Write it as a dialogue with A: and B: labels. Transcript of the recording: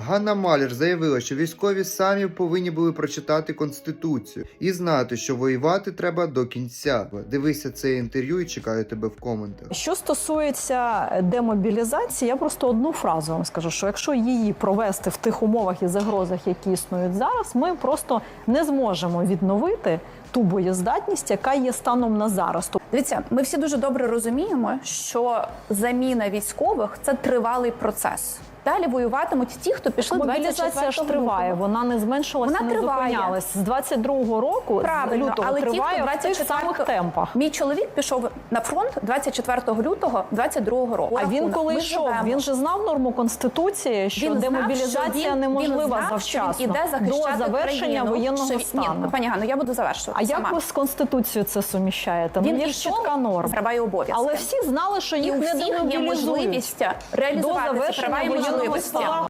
A: Ганна Малер заявила, що військові самі повинні були прочитати Конституцію і знати, що воювати треба до кінця. Дивися це інтерв'ю і чекаю тебе в коментах.
B: Що стосується демобілізації, я просто одну фразу вам скажу, що якщо її провести в тих умовах і загрозах, які існують зараз, ми просто не зможемо відновити ту боєздатність, яка є станом на зараз.
C: Дивіться, ми всі дуже добре розуміємо, що заміна військових – це тривалий процес. Далі воюватимуть ті, хто пішли 24
B: мобілізація ж триває, вона не зменшилася,
C: вона
B: не
C: триває.
B: зупинялась. З 22-го року,
C: правильно,
B: з лютого,
C: але
B: триває
C: ті, хто
B: в тих самих темпах.
C: Мій чоловік пішов на фронт 24 лютого 22-го року.
B: А він коли йшов, він же знав норму Конституції, що демобілізація неможлива завчасно, до завершення воєнного стану.
C: Ні, пані Ганно, я буду завершувати
B: А
C: сама.
B: як ви з Конституцією це суміщаєте?
C: Він
B: є ж чітка норма.
C: Права і обов'язки.
B: Але всі знали, що їх
C: і у
B: не
C: всіх є
B: демобілізують
C: можливість
B: до
C: реалізувати ці права
B: завершення
C: і
B: воєнного
C: можливості.
B: стану.